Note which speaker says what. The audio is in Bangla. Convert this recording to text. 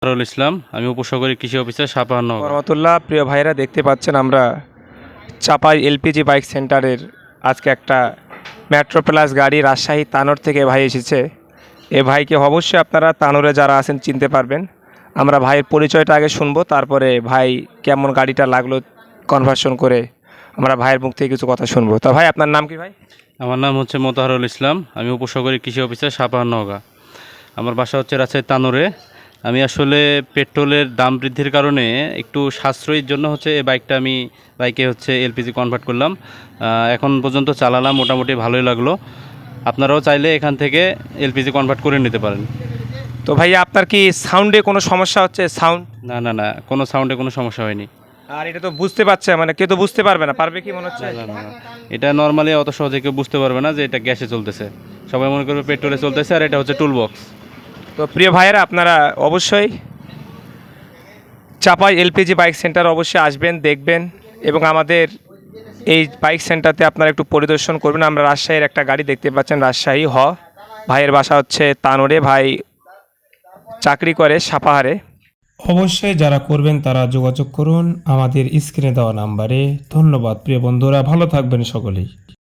Speaker 1: মোতাহারুল ইসলাম, আমি উপসহকারী কৃষি অফিসার সাপাহার নওগাঁ।
Speaker 2: রহমতুল্লাহ। প্রিয় ভাইরা, দেখতে পাচ্ছেন আমরা চাপাই এলপিজি বাইক সেন্টারের আজকে একটা মেট্রো প্লাস গাড়ি রাজশাহী তানোর থেকে ভাই এসেছে। এ ভাইকে অবশ্যই আপনারা তানোরে যারা আছেন চিনতে পারবেন। আমরা ভাইয়ের পরিচয়টা আগে শুনবো, তারপরে ভাই কেমন গাড়িটা লাগলো কনভার্সন করে আমরা ভাইয়ের মুখ থেকে কিছু কথা শুনবো। তা ভাই, আপনার নাম কি ভাই?
Speaker 1: আমার নাম হচ্ছে মোতাহারুল ইসলাম, আমি উপসহকারী কৃষি অফিসার সাপাহার নওগাঁ। আমার বাসা হচ্ছে রাজশাহী তানোরে। আমি আসলে পেট্রোলের দাম বৃদ্ধির কারণে একটু সাশ্রয়ীর জন্য হচ্ছে এই বাইকে হচ্ছে এলপিজি কনভার্ট করলাম। এখন পর্যন্ত চালালাম, মোটামুটি ভালোই লাগলো। আপনারাও চাইলে এখান থেকে এলপিজি কনভার্ট করে নিতে পারেন।
Speaker 2: তো ভাইয়া, আপনার কি সাউন্ডে কোনো সমস্যা হচ্ছে? সাউন্ড?
Speaker 1: না না না, কোনো সাউন্ডে কোনো সমস্যা হয়নি।
Speaker 2: আর এটা তো বুঝতে পারছে, মানে কেউ তো বুঝতে পারবে না, পারবে কি মনে হচ্ছে?
Speaker 1: না না না, এটা নর্মালি অত সহজে কেউ বুঝতে পারবে না যে এটা গ্যাসে চলতেছে। সবাই মনে করবে পেট্রোলে চলতেছে, আর এটা হচ্ছে টুল বক্স।
Speaker 2: তো প্রিয় ভাইয়েরা, আপনারা অবশ্যই চাপাই এলপিজি বাইক সেন্টার অবশ্যই আসবেন, দেখবেন এবং আমাদের এই বাইক সেন্টারতে আপনারা একটু পরিদর্শন করবেন। আমরা রাজশাহীর একটা গাড়ি দেখতে পাচ্ছেন, রাজশাহী ভাইয়ের বাসা হচ্ছে তানোরে, ভাই চাকরি করে সাপাহারে। অবশ্যই যারা করবেন তারা যোগাযোগ করুন আমাদের স্ক্রিনে দেওয়া নাম্বারে। ধন্যবাদ প্রিয় বন্ধুরা, ভালো থাকবেন সকলেই।